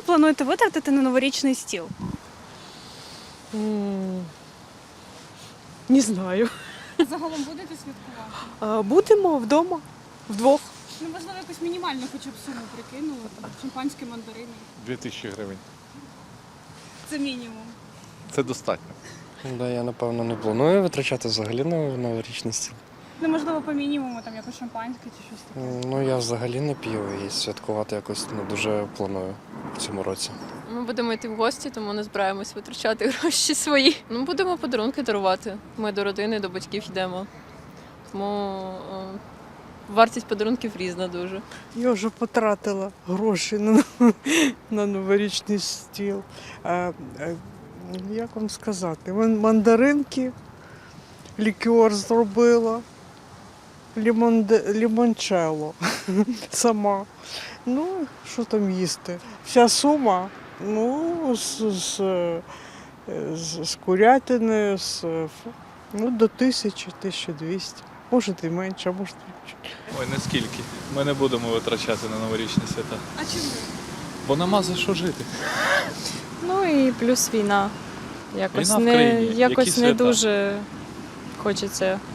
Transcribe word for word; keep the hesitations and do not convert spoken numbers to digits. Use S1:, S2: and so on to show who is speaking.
S1: плануєте витратити на новорічний стіл?
S2: М, Не знаю.
S1: Загалом будете святкувати?
S2: А, Будемо вдома, вдвох.
S1: Ну, можливо, якусь мінімальну хоча б суму прикинули, там, шампанське, мандарини.
S3: Дві тисячі гривень.
S1: Це мінімум.
S3: Це достатньо.
S4: Да, я напевно не планую витрачати взагалі на новорічний стіл.
S1: Ну, можливо, по мінімуму, там якось шампанське чи щось таке.
S4: Ну я взагалі не п'ю і святкувати якось не дуже планую в цьому році.
S5: Ми будемо йти в гості, тому не збираємось витрачати гроші свої. Ну, будемо подарунки дарувати. Ми до родини, до батьків йдемо. Тому е, вартість подарунків різна дуже.
S6: Я вже потратила гроші на, на новорічний стіл. А, а, як вам сказати? Ман- Мандаринки, лікер зробила, лімонде, лімончелло сама. Ну, що там їсти? Вся сума, ну, з, з, з, з курятини, з, ну, до тисячі, тисячі двісті. Може і менше, а може і більше.
S3: Ой, не скільки. Ми не будемо витрачати на новорічні свята.
S1: А чому?
S3: Бо нема за що жити.
S7: Ну і плюс війна. Якось
S3: Війна в
S7: не,
S3: країні.
S7: якось
S3: Які
S7: не
S3: свята?
S7: дуже хочеться